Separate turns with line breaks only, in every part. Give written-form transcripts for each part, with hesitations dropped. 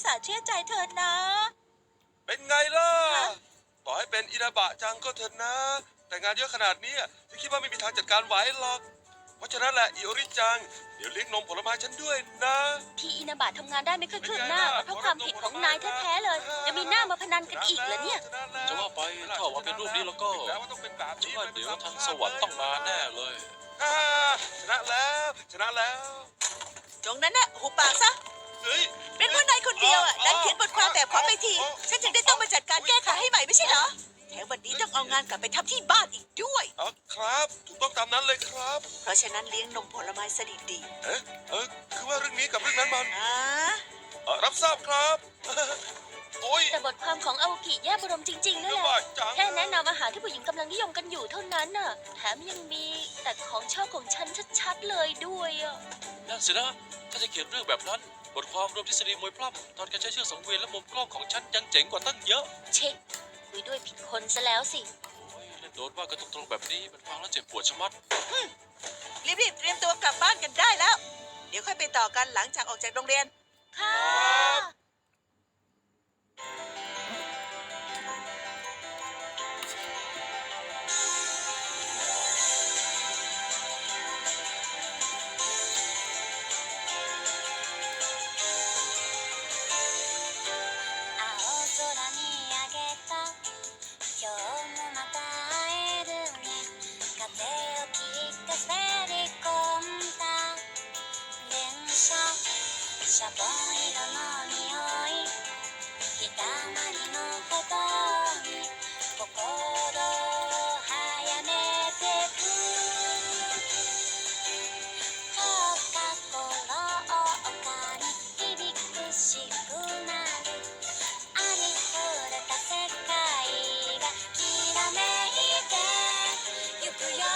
าห์เชื่อใจเธอนะ
เป็นไงล่ะต่อให้เป็นอินาบะจังก็เถอะนะแต่งานเยอะขนาดนี้ฉันคิดว่าไม่มีทางจัดการไหวหรอกเพราะฉะนั้นแหละอิโอริจังเดี๋ยวเลี้ยงนมผลไม้ฉันด้วยนะ
ที่อินาบะทำงานได้ไม่ค่อยคืบหน้าเพราะความผิดของนายแท้ๆเลยจะมีหน้ามาพนันกันอีกเหรอเนี่ย
จะว่าไปถ้าออกมาเป็นรูปนี้แล้วก็ฉันว่าเดี๋ยวทางสวรรค์ต้องมาแน่เลย
ชนะแล้วชนะแล้ว
ตรงนั้นน่ะหุบปากซะ
เฮ้ย
เป็นเพราะนายคนเดียวอ่ะดันเขียนบทความแบบขอไปที ฉันจึงได้ต้องมาจัดการแก้ไขให้ใหม่ไม่ใช่เหรอแถมวันนี้ต้องเอางานกลับไปทำที่บ้านอีกด้วย
ครับถูกต้องตามนั้นเลยครับ
เพราะฉะนั้นเลี้ยงนมผลไม้สดีดี
คือว่าเรื่องนี้กับเรื่องนั้นมัน
ๆนะ
รับทราบครับ โอ้ย
แต่บทความของอาโอกิแย่บรมจริงๆนั่นแหละ
บาจัง
แค่แนะนำอาหารที่ผู้หญิงกำลังนิยมกันอยู่เท่านั้นน่ะแถมยังมีแต่ของชอบของฉันชัดๆเลยด้วยอ่ะ
นั่นสินะถ้าจะเขียนเรื่องแบบนั้น บทความรวมทฤษฎีมวยปล้ำตอนการใช้เชือกสังเวียนและมุมกล้องของฉันยังเจ๋งกว่าตั้งเยอะ
เช็คคุยด้วยผิดคนซะแล้วสิ
โอ้ยเล่นโดนว่ากันตรงๆแบบนี้มันฟังแล้วเจ็บปวดชะมัด
รีบๆเตรียมตัวกลับบ้านกันได้แล้ว เดี๋ยวค่อยไปต่อกันหลังจากออกจากโรงเรียน
ค่ะ
青空にあげた今日もまた会えるね風を切って滑り込んだ電車シャボン色の匂い日だまりのほどに心を早めてく放課後廊下に響くしくなるありふれた世界がきらめいてゆくよ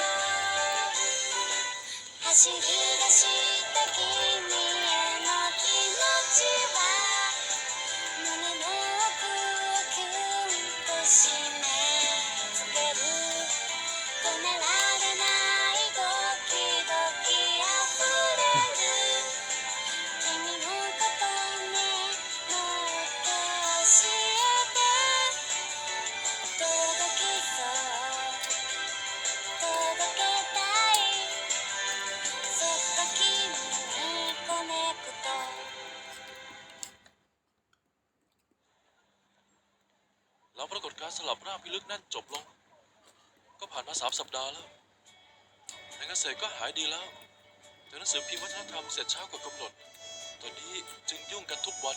走り出した君への気持ちは胸の奥をキュンと締め付ける止められないドキドキあふれる君のことねもっと教えて届きそう届けたいそっと君にコネクト
แล้วปรากฏการณ์สลับร่างพิลึกนั่นจบลง ก็ผ่านมา3 สัปดาห์แล้วนายเกษตรก็หายดีแล้วแต่หนังสือพิมพ์วัฒนธรรมเสร็จช้ากว่ากำหนด ตอนนี้จึงยุ่งกันทุกวัน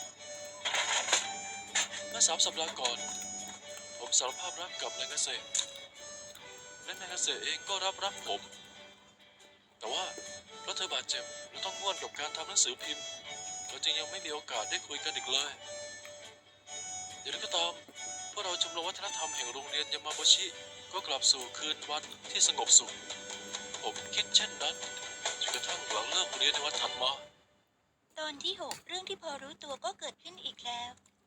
เมื่อ3 สัปดาห์ก่อน ผมสารภาพรักกับนายเกษตรและนายเกษตรเองก็รับรักผม แต่ว่าเพราะเธอบาดเจ็บและต้องง่วนกับการทำหนังสือพิมพ์เราจึงยังไม่มีโอกาสได้คุยกันอีกเลยอย่างไรก็ตามพวกเราชมรมวัฒนธรรมแห่งโรงเรียนยามาโบชิก็กลับสู่คืนวันที่สงบสุข ผมคิดเช่นนั้นจนกระทั่งหลังเลิกเรียนในวันถัดมา
ตอนที่ 6 เรื่องที่พอรู้ตัวก็เกิดขึ้นอีกแล้ว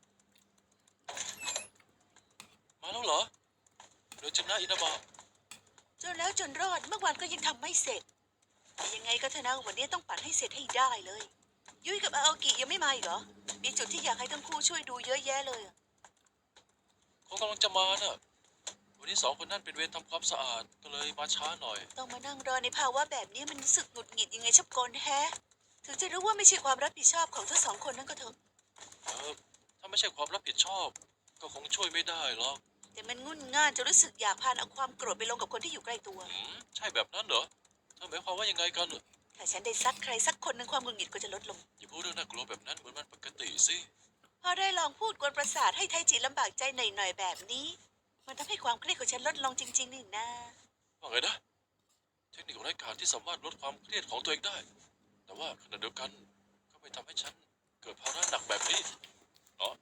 มาแล้วเหรอโดยชนะอินาบะ
จนแล้วจนรอดเมื่อวานก็ยังทำไม่เสร็จแต่ยังไงก็เถอะนะวันนี้ต้องปั่นให้เสร็จให้ได้เลย ยุ้ยกับอาโอกิยังไม่มาอีกเหรอ มีจุดที่อยากให้ทั้งคู่ช่วยดูเยอะแยะเลยอะ
เขากำลังจะมาน่ะวันนี้2 คนนั่นเป็นเวรทำความสะอาดก็เลยมาช้าหน่อย
ต้องมานั่งรอในภาวะแบบนี้มันรู้สึกหงุดหงิดยังไงชับกลแฮะ ถึงจะรู้ว่าไม่ใช่ความรับผิดชอบของทั้ง2 คนนั่นก็เถอะ
ถ้าไม่ใช่ความรับผิดชอบ ก็คงช่วยไม่ได้หรอก
แต่มันงุ่นง่านจะรู้สึกอยากพานเอาความโกรธไปลงกับคนที่อยู่ใกล้ตัว
ใช่แบบนั้นเหรอเธอหมายความว่ายังไงกัน
ถ้าฉันได้ซักใครสักคนหนึ่งความหงุดหงิดก็จะลดลง
อย่าพูดเรื่องน่ากลัวแบบนั้นเหมือนมันปกติสิ
พอได้ลองพูดกวนประสาทให้ไทจิลำบากใจหน่อยๆแบบนี้ มันทำให้ความเครียดของฉันลดลงจริงๆนี่นะ
ว่าไงนะ เทคนิคไร้กาจที่สามารถลดความเครียดของตัวเองได้ แต่ว่าขณะเดียวกันก็ไม่ทำให้ฉันเกิดภาระหนักแบบนี้เนาะ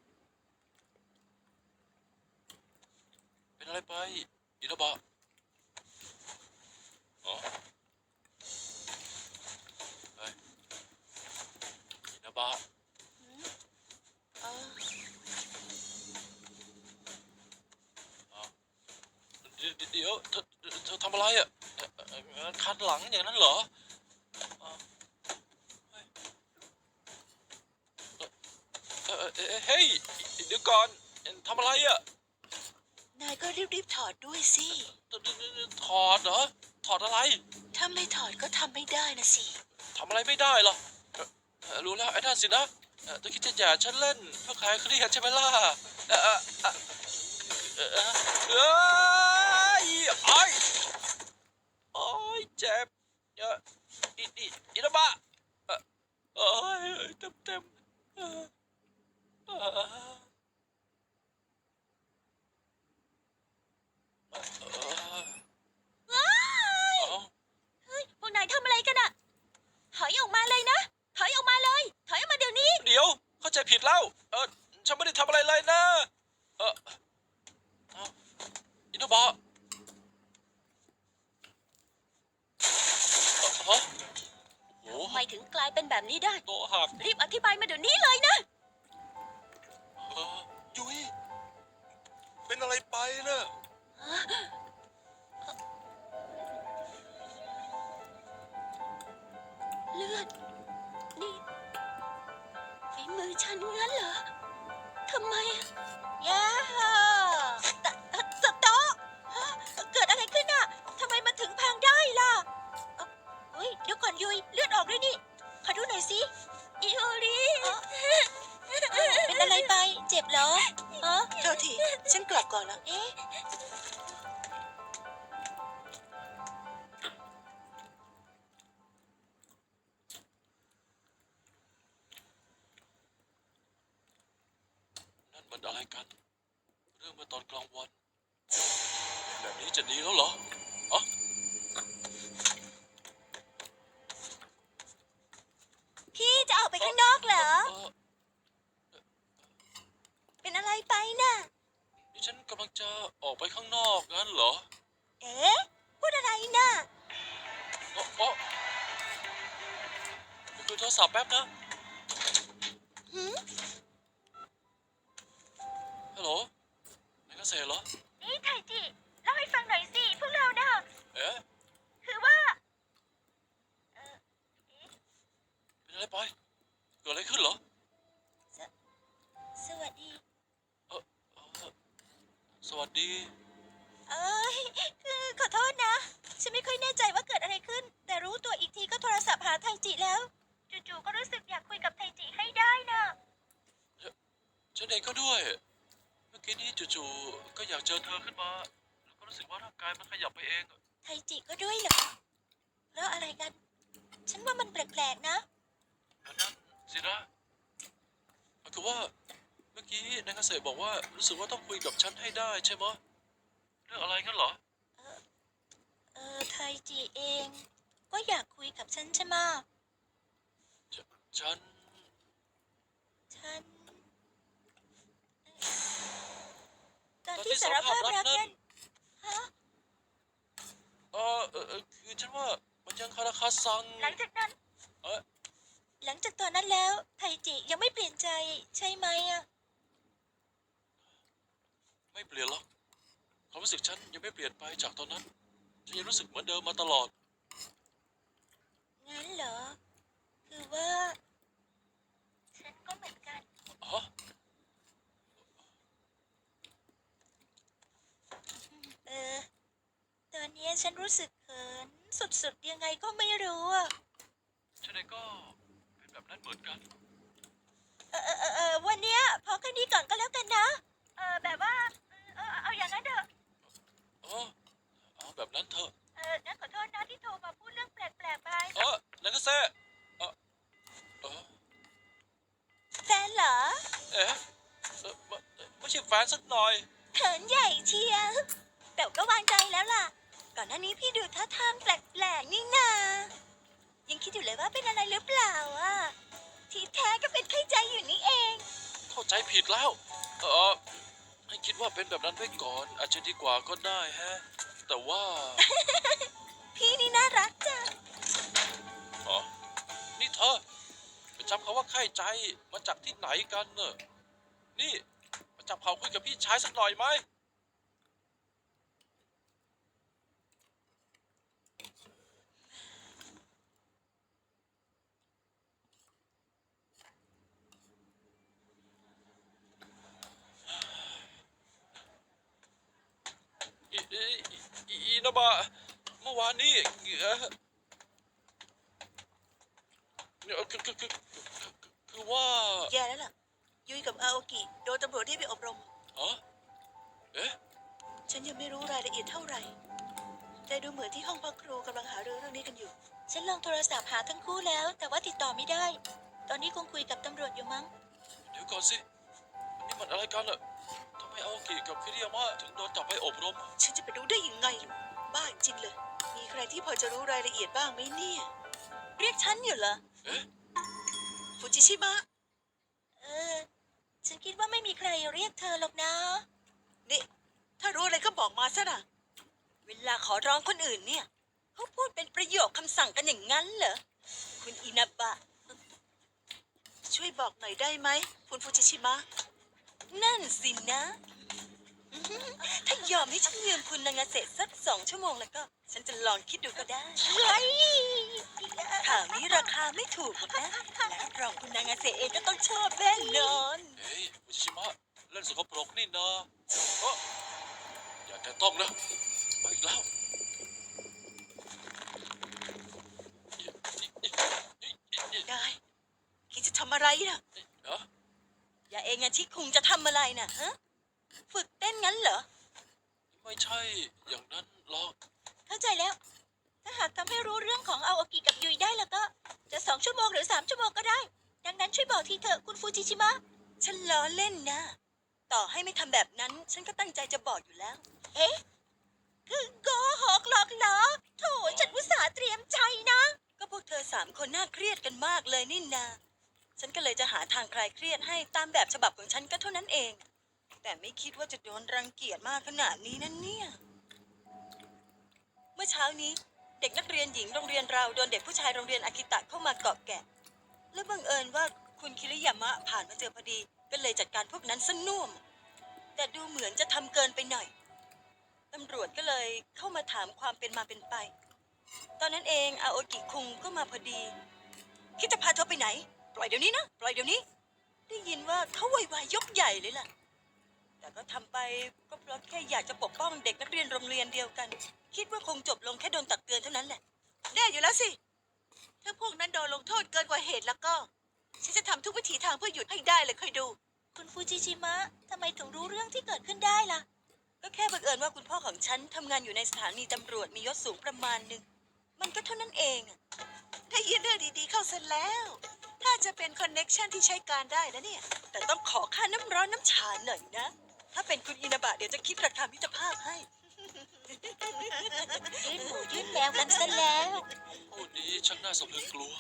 เป็นอะไรไปอินาบะอ๋อเฮ้ยอินาบะ
เออ
เดี๋ยวเธอทำอะไรอ่ะคันหลังอย่างนั้นเหรอเฮ้ยเดี๋ยวก่อนทำอะไรอ่ะ
นายก็รีบๆถอดด้วยสิ
ถอดเหรอถอดอะไร
ถ้าไม่ถอดก็ทำไม่ได้นะสิ
ทำอะไรไม่ได้หรอรู้แล้วไอ้นั่นสินะเธอคิดจะหย่าฉันเล่นเพื่อคลายเครียดใช่ไหมล่ะเออเออเออเอยไอ้โอ้ยเจ็บอินะบะเอ้ยเต็มเออเออเออ
เฮ้ย พวกนายทำอะไรกันอะถอยออกมาเลยนะ ถอยออกมาเลย ถอยออกมาเดี๋ยวนี้
เดี๋ยวเข้าใจผิดแล้วฉันไม่ได้ทำอะไรเลยนะเอ้าอินะบะฮะโอ้
ทำไมถึงกลายเป็นแบบนี้ได้
โตะหัก
รีบอธิบายมาเดี๋ยวนี้เลยนะ
ยุ้ยเป็นอะไรไปนะ
เลือด นี่ฝีมือฉันงั้นเหรอ ทำไมอะย่าสต๊อกฮะเกิดอะไรขึ้นอะทำไมมันถึงพังได้ล่ะเฮ้ย เดี๋ยวก่อนยุยเลือดออกด้วยนี่ ขอดูหน่อยสิ อิโอริเป็นอะไรไป เจ็บเหรออ๋อ
เท่าทีฉันกลับก่อนแล้ว
เอ๊ะ
นั่นมันอะไรกัน เรื่องเมื่อตอนกลางวันแบบนี้จะดีแล้วเหรออ๋อ
พี่จะออกไปข้างนอกเหรอ เป็นอะไรไปน่ะ
นี่ฉันกำลังจะออกไปข้างนอกงั้นเหรอ
เอ๊ะ พูดอะไรน่ะ
อ๋อคุยโทรศัพท์แป๊บนะ
หืม
ฮัลโหลนายเกษตรเหรอ
นี่ไทจิเล่าให้ฟังหน่อยสิ พวกเราน่ะ
เอ๊ะ
คือว่า
เป็นอะไรไปเกิดอะไรขึ้นเหรอ
สวัสดี
เออสวัสดี
เอ้ย คือขอโทษนะ ฉันไม่ค่อยแน่ใจว่าเกิดอะไรขึ้น แต่รู้ตัวอีกทีก็โทรศัพท์หาไทจิแล้ว จู่ๆก็รู้สึกอยากคุยกับไทจิให้ได้น่ะ
ฉันเองก็ด้วย เมื่อกี้นี้จู่ๆก็อยากเจอเธอขึ้นมา แล้วก็รู้สึกว่าร่างกายมันขยับไปเอง
ไทจิก็ด้วยเหรอ แล้วอะไรกัน ฉันว่ามันแปลกๆนะ
อันนั้นสินะคือว่าเมื่อกี้นายเกษตรบอกว่ารู้สึกว่าต้องคุยกับฉันให้ได้ใช่ไหมะเรื่องอะไรกันเหรอ
ไทจิเอง ก็อยากคุยกับฉันใช่ไหมะ
ฉัน
ฉัน ตอนที่สารภาพรักนั้นฮะ
คือฉันว่ามันยังคาราคาซัง
หลังจากนั้น
เอ๊ะ
หลังจากตอนนั้นแล้ว ไทจิยังไม่เปลี่ยนใจใช่ไหมอะ
ไม่เปลี่ยนหรอกความรู้สึกฉันยังไม่เปลี่ยนไปจากตอนนั้น ฉันยังรู้สึกเหมือนเดิมมาตลอด
งั้นเหรอ คือว่า ฉันก็เหมือนกัน
ฮะ
ตอนนี้ฉันรู้สึกเขินสุดๆยังไงก็ไม่รู้อะ
ฉันเองก็เป็นแบบนั้นเหมือนกัน
วันเนี้ยพอแค่นี้ก่อนก็แล้วกันนะ แบบว่า เอาอย่างนั้นเถอะ
เออเอาแบบนั้นเถอะ
งั้นขอโทษนะที่โทรมาพูดเรื่องแปลกๆไป
นายเกษตรเออ
แฟนเหรอ
เอ๊ะไม่ใช่แฟนสักหน่อย
เขินใหญ่เชียวแต่ก็วางใจแล้วล่ะ ก่อนหน้านี้พี่ดูท่าทางแปลกๆนี่นายังคิดอยู่เลยว่าเป็นอะไรหรือเปล่าอ่ะ ที่แท้ก็เป็นไข้ใจอยู่นี่เอง
เข้าใจผิดแล้ว ให้คิดว่าเป็นแบบนั้นไว้ก่อน อาจจะดีกว่าก็ได้ฮะ แต่ว่า
พี่นี่น่ารักจัง
อ๋อนี่เธอไปจำคำว่าไข้ใจมาจากที่ไหนกันเนอะนี่มาจับเขาคุยกับพี่ชายสักหน่อยไหมอินาบะเมื่อวานนี้คือว่า
แย่แล้วล่ะ ยุ้ยกับอาโอกิโดนตำรวจเรียกไปอบรม
ฮะเอ๊ะ
ฉันยังไม่รู้รายละเอียดเท่าไหร่ แต่ดูเหมือนที่ห้องพักครูกำลังหารือเรื่องนี้กันอยู่
ฉันลองโทรศัพท์หาทั้งคู่แล้ว แต่ว่าติดต่อไม่ได้ ตอนนี้คงคุยกับตำรวจอยู่มั้ง
เดี๋ยวก่อนสินี่มันอะไรกันล่ะทำไมอาโอกิกับคิริยามะถึงโดนจับไปอบรม
ฉันจะไปรู้ได้ยังไงล่ะบ้าจริงเลย มีใครที่พอจะรู้รายละเอียดบ้างไหมเนี่ย เรียกฉันอยู่เหรอ
เอ๊ะ
ฟูจิชิมะ
เออ ฉันคิดว่าไม่มีใครเรียกเธอหรอกนะ
นี่ ถ้ารู้อะไรก็บอกมาซะนะเวลาขอร้องคนอื่นเนี่ย เขาพูดเป็นประโยคคำสั่งกันอย่างนั้นเหรอ คุณอินาบะ ช่วยบอกหน่อยได้ไหมคุณฟูจิชิมะ นั่นสินะ ถ้ายอมให้ฉันยืมคุณนางาเสะสัก2 ชั่วโมงแล้วก็ ฉันจะลองคิดดูก็ได้
เฮ้ย
ข่าวนี้ราคาไม่ถูกหรอกนะและรับรองคุณนางาเสะเองก็ต้องชอบแน่นอน
เฮ้ยฟูจิชิมะเล่นสกปรกนี่นะเอ้ออย่าแตะต้องนะเอาอีกแล้ว
นายคิดจะทำอะไรนะ
เอ้อ
อย่าเองอะที่คุงจะทำอะไรนะฮะ ฝึกเต้นงั้นเหรอ
ไม่ใช่อย่างนั้นหรอก
เข้าใจแล้ว ถ้าหากทำให้รู้เรื่องของอาโอกิกับยุยได้แล้วก็ จะ2 ชั่วโมงหรือ3 ชั่วโมงก็ได้ ดังนั้นช่วยบอกทีเถอะคุณฟูจิชิมะ
ฉันล้อเล่นนะ ต่อให้ไม่ทำแบบนั้น ฉันก็ตั้งใจจะบอกอยู่แล้ว
เอ๊ะ คือโกหกหรอกเหรอโถฉันอุตส่าห์เตรียมใจนะ
ก็พวกเธอ3 คนน่าเครียดกันมากเลยนี่นา ฉันก็เลยจะหาทางคลายเครียดให้ตามแบบฉบับของฉันก็เท่านั้นเอง แต่ไม่คิดว่าจะโดนรังเกียจมากขนาดนี้นั่นเนี่ย เมื่อเช้านี้เด็กนักเรียนหญิงโรงเรียนเราโดนเด็กผู้ชายโรงเรียนอากิตะเข้ามาเกาะแกะ และบังเอิญว่าคุณคิริยามะผ่านมาเจอพอดี ก็เลยจัดการพวกนั้นซะน่วม แต่ดูเหมือนจะทำเกินไปหน่อย ตำรวจก็เลยเข้ามาถามความเป็นมาเป็นไป ตอนนั้นเองอาโอกิคุงก็มาพอดี คิดจะพาเธอไปไหน ปล่อยเดี๋ยวนี้นะ ปล่อยเดี๋ยวนี้ ได้ยินว่าเขาโวยวายยกใหญ่เลยล่ะ แต่ก็ทำไปก็เพราะแค่อยากจะปกป้องเด็กนักเรียนโรงเรียนเดียวกัน คิดว่าคงจบลงแค่โดนตักเตือนเท่านั้นแหละ แน่อยู่แล้วสิ ถ้าพวกนั้นโดนลงโทษเกินกว่าเหตุแล้วก็ ฉันจะทำทุกวิถีทางเพื่อหยุดให้ได้เลยคอยดู
คุณฟูจิชิมะทำไมถึงรู้เรื่องที่เกิดขึ้นได้ล่ะ
ก็แค่บังเอิญว่าคุณพ่อของฉันทำงานอยู่ในสถานีตำรวจมียศสูงประมาณหนึ่ง มันก็เท่านั้นเองอะได้ยินเรื่องดีๆเข้าเสร็จแล้ว ถ้าจะเป็นคอนเน็กชันที่ใช้การได้นะเนี่ย แต่ต้องขอค่าน้ำร้อนน้ำชาหน่อยนะ ถ้าเป็นคุณอินาบะเดี๋ยวจะคิดราคามิตรภาพให้
ยื่นหมูยื่นแมวกันซะแล้ว
พูดนี้ช่างน่าสะพรึงกลัว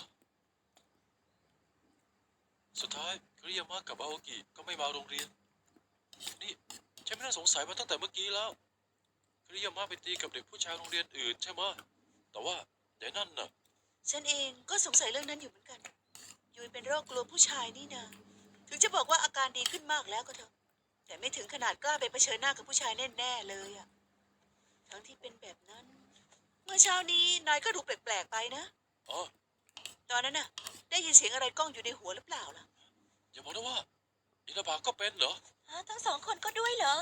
สุดท้ายคิริยามะกับอาโอกิก็ไม่มาโรงเรียน นี่ฉันไม่น่าสงสัยมาตั้งแต่เมื่อกี้แล้วคิริยามะไปตีกับเด็กผู้ชายโรงเรียนอื่นใช่ไหมแต่ว่าแต่นั่นน่ะ
ฉันเองก็สงสัยเรื่องนั้นอยู่เหมือนกัน ยุยเป็นโรคกลัวผู้ชายนี่นะ ถึงจะบอกว่าอาการดีขึ้นมากแล้วก็เถอะ แต่ไม่ถึงขนาดกล้าไปเผชิญหน้ากับผู้ชายแน่ๆเลยอะทั้งที่เป็นแบบนั้น เมื่อเช้านี้นายก็ดูแปลกๆไปนะ
อ๋อ
ตอนนั้นน่ะ ได้ยินเสียงอะไรก้องอยู่ในหัวหรือเปล่าล่ะ
อย่าบอกนะว่าอินาบะก็เป็นเหรอ
ฮะทั้ง2 คนก็ด้วยเหรอ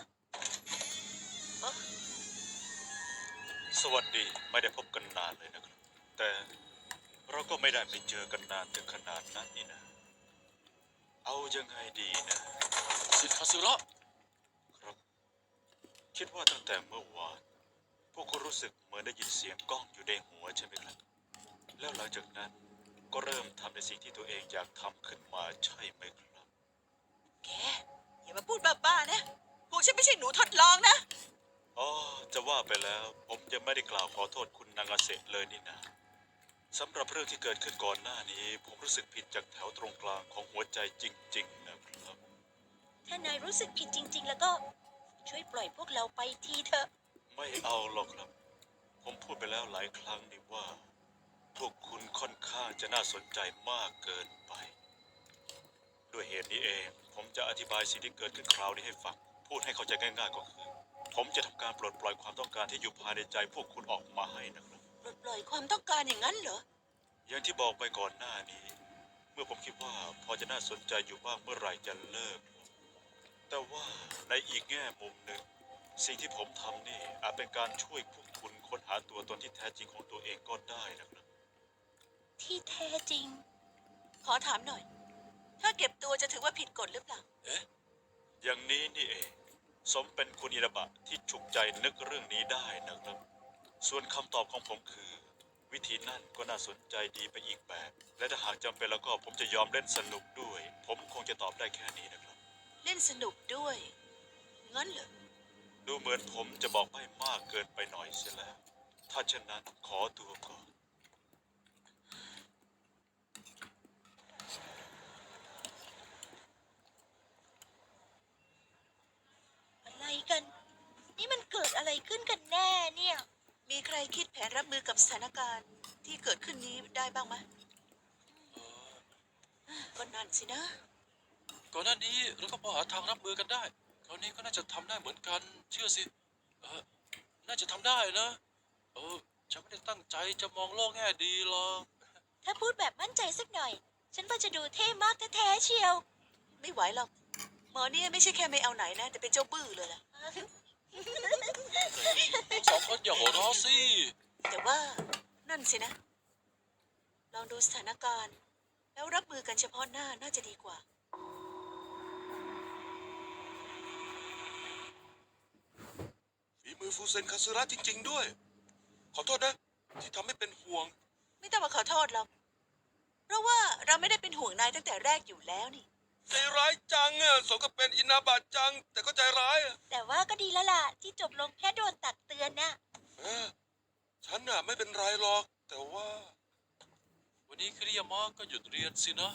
สวัสดีไม่ได้พบกันนานเลยนะครับ แต่เราก็ไม่ได้ไปเจอกันนานถึงขนาดนั้นนี่นะ เอายังไงดีนะ
สิทธิ์คาสึระ
ครับ คิดว่าตั้งแต่เมื่อวาน พวกคุณรู้สึกเหมือนได้ยินเสียงก้องอยู่ในหัวใช่ไหมครับ แล้วหลังจากนั้นก็เริ่มทำในสิ่งที่ตัวเองอยากทำขึ้นมาใช่ไหมครับ
แก อย่ามาพูดบ้าๆนะ พวกฉันไม่ใช่หนูทดลองนะ
อ๋อ จะว่าไปแล้ว ผมยังไม่ได้กล่าวขอโทษคุณนางาเสะเลยนี่นะสำหรับเรื่องที่เกิดขึ้นก่อนหน้านี้ ผมรู้สึกผิดจากแถวตรงกลางของหัวใจจริงๆนะครับ
ถ้านายรู้สึกผิดจริง ๆ แล้วก็ ช่วยปล่อยพวกเราไปทีเถอะ
ไม่เอาหรอกครับ ผมพูดไปแล้วหลายครั้งนี่ว่า พวกคุณค่อนข้างจะน่าสนใจมากเกินไป ด้วยเหตุนี้เอง ผมจะอธิบายสิ่งที่เกิดขึ้นคราวนี้ให้ฟัง พูดให้เข้าใจง่ายๆก็คือ ผมจะทำการปลดปล่อยความต้องการที่อยู่ภายในใจพวกคุณออกมาให้นะครับ
ปลดปล่อยความต้องการอย่างนั้นเหรอ
อย่างที่บอกไปก่อนหน้านี้ เมื่อผมคิดว่าพอจะน่าสนใจอยู่บ้างเมื่อไหร่จะเลิก แต่ว่าในอีกแง่มุมหนึ่ง สิ่งที่ผมทำนี่อาจเป็นการช่วยพวกคุณค้นหาตัวตนที่แท้จริงของตัวเองก็ได้นะครับ
ที่แท้จริง
ขอถามหน่อย ถ้าเก็บตัวจะถือว่าผิดกฎหรือเปล่า
อย่างนี้นี่เอง สมเป็นคุณอิระบะที่ฉุกใจนึกเรื่องนี้ได้นะครับ ส่วนคำตอบของผมคือ วิธีนั่นก็น่าสนใจดีไปอีกแบบ และถ้าหากจำเป็นแล้วก็ผมจะยอมเล่นสนุกด้วย ผมคงจะตอบได้แค่นี้นะครับ
เล่นสนุกด้วย งั้นเหรอ
ดูเหมือนผมจะบอกไม่มากเกินไปหน่อยเสียแล้ว ถ้าเช่นนั้นขอตัวก่อน
อะไรกัน นี่มันเกิดอะไรขึ้นกันแน่เนี่ย
มีใครคิดแผนรับมือกับสถานการณ์ที่เกิดขึ้นนี้ได้บ้างไหมก็นั่นสินะ
ก่อนหน้านี้เราก็พอหาทางรับมือกันได้ คราวนี้ก็น่าจะทำได้เหมือนกัน เชื่อสิ น่าจะทำได้นะ ฉันไม่ได้ตั้งใจจะมองโลกแง่ดีหรอก
ถ้าพูดแบบมั่นใจสักหน่อย ฉันว่าจะดูเท่มากแท้ๆเชียว
ไม่ไหวหรอก หมอเนี่ยไม่ใช่แค่ไม่เอาไหนนะ แต่เป็นเจ้าบื้อเลยล่ะ
สองคนอย่าหัวเราะสิ
แต่ว่านั่นสินะ ลองดูสถานการณ์ แล้วรับมือกันเฉพาะหน้าน่าจะดีกว่า
ฝีมือฟูเซนคาซึระจริง ๆ ด้วย ขอโทษนะ ที่ทำให้เป็นห่วง
ไม่ต้องมาขอโทษหรอก เพราะว่าเราไม่ได้เป็นห่วงนายตั้งแต่แรกอยู่แล้วนี่
ใจร้ายจังอ่ะสมกับเป็นอินาบะจัง แต่ก็ใจร้ายอ่ะ
แต่ว่าก็ดีแล้วล่ะ ที่จบลงแค่โดนตักเตือนน่ะ
เออฉันน่ะไม่เป็นไรหรอก แต่ว่า
วันนี้คิริยามะก็หยุดเรียนสินะ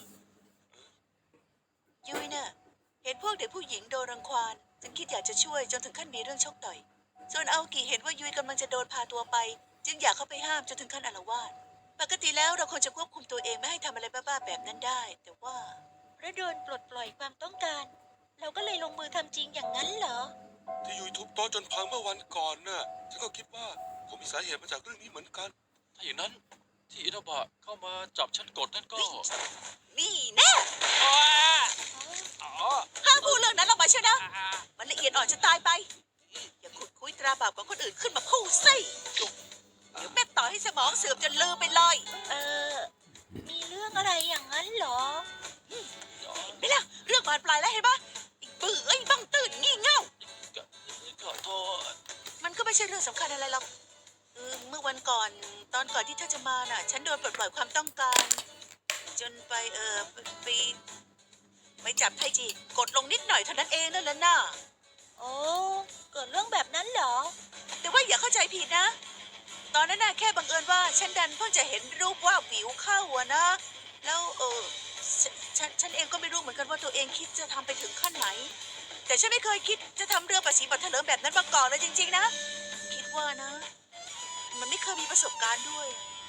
ยุ้ยน่ะเห็นพวกเด็กผู้หญิงโดนรังควานจึงคิดอยากจะช่วยจนถึงขั้นมีเรื่องชกต่อย ส่วนอาโอกิเห็นว่ายุ้ยกำลังจะโดนพาตัวไป จึงอยากเข้าไปห้ามจนถึงขั้นอาละวาดปกติแล้วเราควรจะควบคุมตัวเองไม่ให้ทำอะไรบ้าๆแบบนั้นได้ แต่ว่า
เพราะโดนปลดปล่อยความต้องการ เราก็เลยลงมือทำจริงอย่างนั้นเหรอ
ที่ยุยทุบโต๊ะจนพังเมื่อวันก่อนน่ะ ฉันก็คิดว่าคงมีสาเหตุมาจากเรื่องนี้เหมือนกัน
ถ้าอย่างนั้นที่อินาบะเข้ามาจับฉันกดนั่นก็
นี่แน่ห้ามพูดเรื่องนั้นออกมาเชียวนะ มันละเอียดอ่อนจะตายไป อย่าขุดคุยตราบาปของคนอื่นขึ้นมาพูดสิเดี๋ยวแม่ต่อให้สมองเสื่อมจนลืมไปเลย
มีเรื่องอะไรอย่างนั้นเหรอ
ไม่ล่ะเรื่องบานปลายแล้วเห็นปะไอ้บื้อไอ้บังตื่นงี่เง่า
ขอโทษ
มันก็ไม่ใช่เรื่องสำคัญอะไรหรอกเมื่อวันก่อนตอนก่อนที่เธอจะมาน่ะ ฉันโดนปลดปล่อยความต้องการ จนไปไปจับไทจีกดลงนิดหน่อยเท่านั้นเองนั่นแหละน่ะ
โอ้ เกิดเรื่องแบบนั้นเหรอ
แต่ว่าอย่าเข้าใจผิดนะ ตอนนั้นน่ะแค่บังเอิญว่าฉันดันเพิ่งจะเห็นรูปว่าวิวเข้าอะนะ แล้วฉันเองก็ไม่รู้เหมือนกันว่าตัวเองคิดจะทำไปถึงขั้นไหน แต่ฉันไม่เคยคิดจะทำเรื่องประสีบัตรเถลิงแบบนั้นมาก่อนเลยจริงๆนะ คิดว่านะ มันไม่เคยมีประสบการณ์ด้วย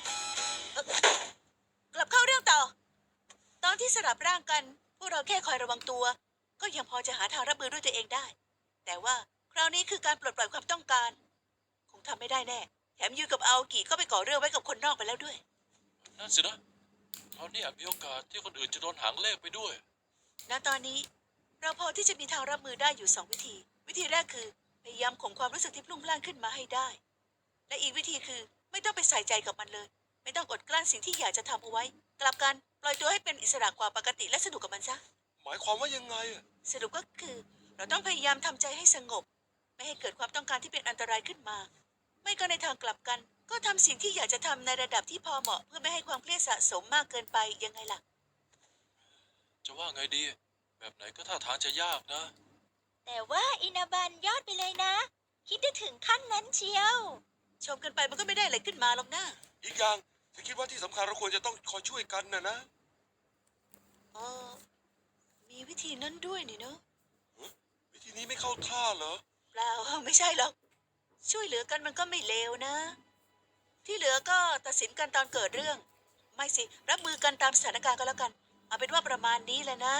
กลับเข้าเรื่องต่อ ตอนที่สลับร่างกัน พวกเราแค่คอยระวังตัว ก็ยังพอจะหาทางรับมือด้วยตัวเองได้ แต่ว่าคราวนี้คือการปลดปล่อยความต้องการ คงทำไม่ได้แน่ แถมยูกับอาโอกิก็ไปก่อเรื่องไว้กับคนนอกไปแล้วด้วย
นั่นสินะคราวนี้อาจมีโอกาสที่คนอื่นจะโดนหางเลขไปด้วย
ณ ตอนนี้เราพอที่จะมีทางรับมือได้อยู่2 วิธี วิธีแรกคือพยายามข่มความรู้สึกที่พลุ่งพล่านขึ้นมาให้ได้ และอีกวิธีคือไม่ต้องไปใส่ใจกับมันเลย ไม่ต้องอดกลั้นสิ่งที่อยากจะทำเอาไว้ กลับกันปล่อยตัวให้เป็นอิสระกว่าปกติและสนุกกับมันซะ
หมายความว่ายังไงอ่ะ
สรุปก็คือเราต้องพยายามทำใจให้สงบ ไม่ให้เกิดความต้องการที่เป็นอันตรายขึ้นมา ไม่ก็ในทางกลับกัน ก็ทำสิ่งที่อยากจะทำในระดับที่พอเหมาะเพื่อไม่ให้ความเครียดสะสมมากเกินไปยังไงล่ะ
จะว่าไงดี แบบไหนก็ท่าทางจะยากนะ
แต่ว่าอินาบันยอดไปเลยนะ คิดได้ถึงขั้นนั้นเชียว
ชมกันไปมันก็ไม่ได้อะไรขึ้นมาหรอกนะ
อีกอย่างฉันคิดว่าที่สำคัญเราควรจะต้องคอยช่วยกันนะ
เออมีวิธีนั้นด้วยนี่เนอะ
วิธีนี้ไม่เข้าท่าเหรอ
เปล่า ไม่ใช่หรอก ช่วยเหลือกันมันก็ไม่เลวนะ ที่เหลือก็ตัดสินกันตอนเกิดเรื่อง ไม่สิ รับมือกันตามสถานการณ์ก็แล้วกัน เอาเป็นว่าประมาณนี้แหละนะ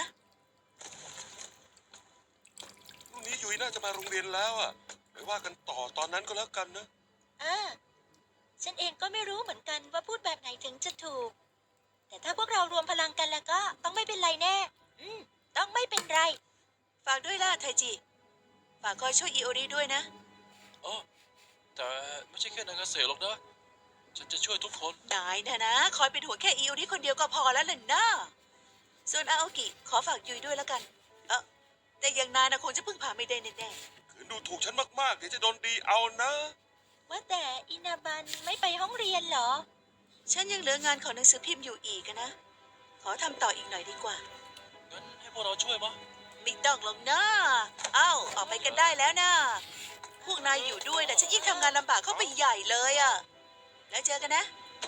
พรุ่งนี้ยุยน่าจะมาโรงเรียนแล้วอ่ะไปว่ากันต่อตอนนั้นก็แล้วกันนะ
ฉันเองก็ไม่รู้เหมือนกันว่าพูดแบบไหนถึงจะถูก แต่ถ้าพวกเรารวมพลังกันแล้วก็ต้องไม่เป็นไรแน่ ต้องไม่เป็นไร
ฝากด้วยล่ะไทจิ ฝากคอยช่วยอิโอริด้วยนะ
อ๋อแต่ไม่ใช่แค่นางเกษตรหรอกนะ ฉันจะช่วยทุกคน
นายนะคอยเป็นห่วงแค่อิวนี่คนเดียวก็พอแล้วล่ะนะส่วนอาโอกิขอฝากยุยด้วยแล้วกัน แต่อย่างนายนะคงจะพึ่งพาไม่ได้แน่
คืนดูถูกฉันมากๆเดี๋ยวจะโดนดีเอานะ
ว่าแต่อินาบันไม่ไปห้องเรียนเหรอ
ๆฉันยังเหลืองานของหนังสือพิมพ์อยู่อีกอะนะ ขอทำต่ออีกหน่อยดีกว่า
งั้นให้พวกเราช่วยมะ
ไม่ต้องหรอกนะเอ้าออกไปกันได้แล้วนะพวกนายอยู่ด้วยนะฉันยิ่งทำงานลำบากเข้าไปใหญ่เลยอะแล้วเจอกันนะ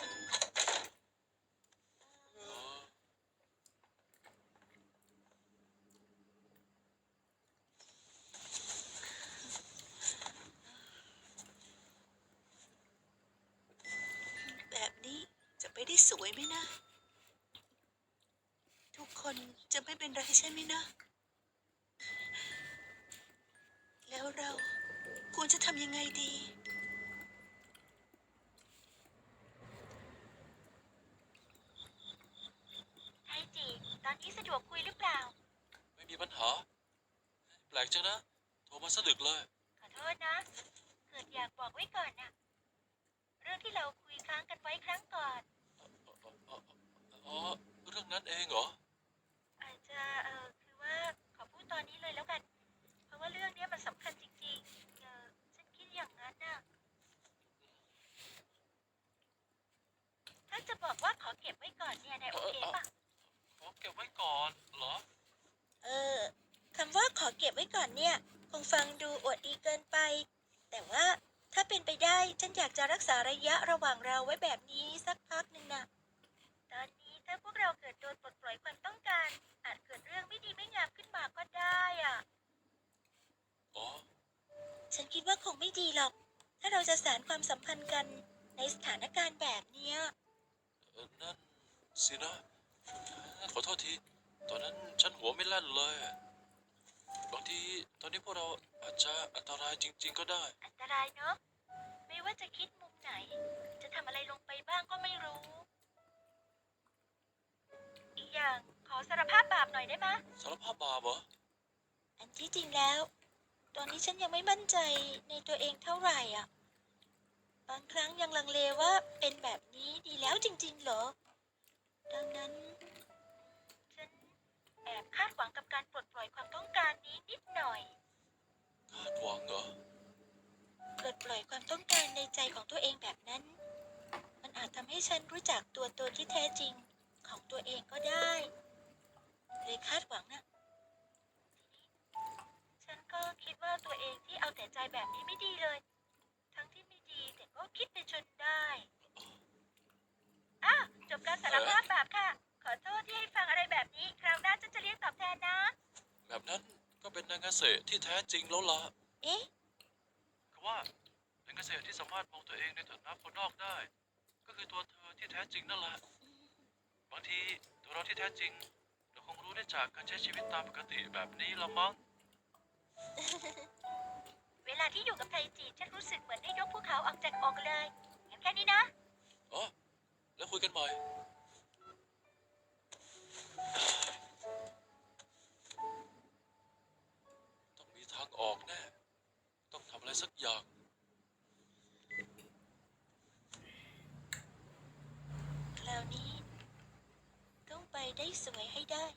แบบนี้จะไปได้สวยไหมนะ ทุกคนจะไม่เป็นไรใช่ไหมนะ แล้วเราควรจะทำยังไงดี
ไทจิ ตอนนี้สะดวกคุยหรือเปล่า
ไม่มีปัญหา แปลกจังนะ โทรมาสะดึกเลย
ขอโทษนะ เกิดอยากบอกไว้ก่อนนะเรื่องที่เราคุยค้างกันไว้ครั้งก่อน
อ๋อ เรื่องนั้นเองเหรอ
อาจจะคือว่าขอพูดตอนนี้เลยแล้วกัน เพราะว่าเรื่องเนี้ยมันสำคัญจริงๆฉันคิดอย่างนั้นน่ะ ถ้าจะบอกว่าขอเก็บไว้ก่อนเนี่ยนายโอเคปะ
ขอเก็บไว้ก่อนเหรอ
คำว่าขอเก็บไว้ก่อนเนี่ย คงฟังดูอวดดีเกินไป แต่ว่าถ้าเป็นไปได้ฉันอยากจะรักษาระยะระหว่างเราไว้แบบนี้สักพักหนึ่งนะตอนนี้ถ้าพวกเราเกิดโดนปลดปล่อยความต้องการ อาจเกิดเรื่องไม่ดีไม่งามขึ้นมาก็ได้อ่ะ
อ๋อ
ฉันคิดว่าคงไม่ดีหรอก ถ้าเราจะสานความสัมพันธ์กันในสถานการณ์แบบเนี้ย
นั่นสินะ ขอโทษที ตอนนั้นฉันหัวไม่แล่นเลย บางทีตอนนี้พวกเราอาจจะอันตรายจริงๆก็ได้
อันตรายเนอะไม่ว่าจะคิดมุมไหน จะทำอะไรลงไปบ้างก็ไม่รู้ อีกอย่างขอสารภาพบาปหน่อยได้ไหมะ
สารภาพบาปเหรอ
อันที่จริงแล้ว ตอนนี้ฉันยังไม่มั่นใจในตัวเองเท่าไหร่อ่ะ บางครั้งยังลังเลว่าเป็นแบบนี้ดีแล้วจริงๆเหรอ ดังนั้น ฉันแอบคาดหวังกับการปลดปล่อยความต้องการนี้นิดหน่อย
คาดหวังเหรอ
ปลดปล่อยความต้องการในใจของตัวเองแบบนั้น มันอาจทำให้ฉันรู้จักตัวตนที่แท้จริงของตัวเองก็ได้ เลยคาดหวังนะ ฉันก็คิดว่าตัวเองที่เอาแต่ใจแบบนี้ไม่ดีเลย ทั้งที่ไม่ดีแต่ก็คิดไปจนได้จบการสารภาพบาปค่ะ ขอโทษที่ให้ฟังอะไรแบบนี้ คราวหน้าฉันจะเรียกตอบแทนนะ
แบบนั้นก็เป็นนางเกษตรที่แท้จริงแล้วล่ะ
เอ๊ะ
คือว่านางเกษตรที่สามารถมองตัวเองในฐานะคนนอกได้ ก็คือตัวเธอที่แท้จริงนั่นแหละ บางทีตัวเราที่แท้จริง เราคงรู้ได้จากการใช้ชีวิตตามปกติแบบนี้ละมั้ง
เวลาที่อยู่กับไทจิฉันรู้สึกเหมือนได้ยกภูเขาออกจากอกเลยงั้นแค่นี้นะ
อ๋อ แล้วคุยกันใหม่ ต้องมีทางออกแน่ ต้องทำอะไรสักอย่าง
คราวนี้ต้องไปได้สวยให้ได้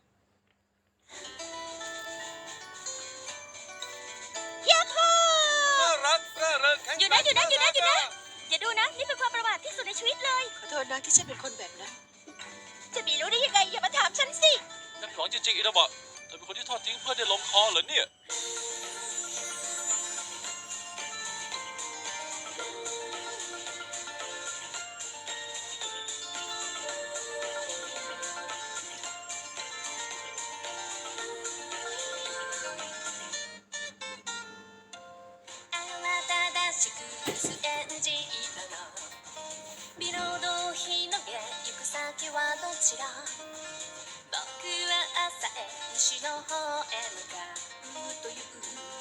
ยาฮู
น่ารักร่าเริงแข็ง
อย่าดูนะ นี่เป็นความประมาทที่สุดในชีวิตเลย
ขอโทษนะที่ฉันเป็นคนแบบนั้น
จะมีรู้ได้ยังไง อย่ามาถามฉันสิ
นักหวังจริงๆอินาบะเธอเป็นคนที่ทอดทิ้งเพื่อนได้ลงคอเหรอเนี่ย
慌ただしくスエンジ色のビロードを広げ行く先はどちら僕は朝へ西の方へ向かうという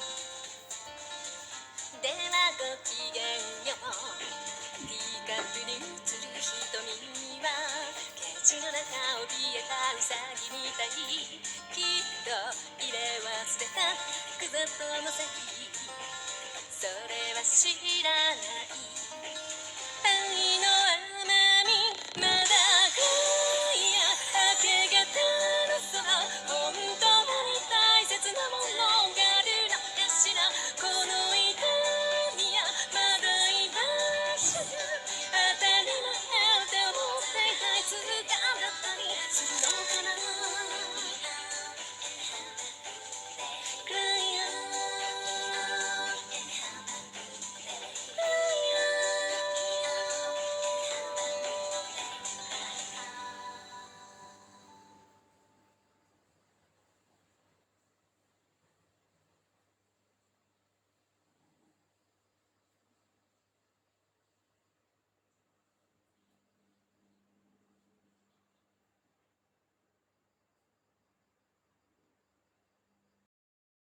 ではごきげんようティーカップに映る瞳にはケージの中怯えたウサギみたいきっと入れ忘れたクザとの席それは知らない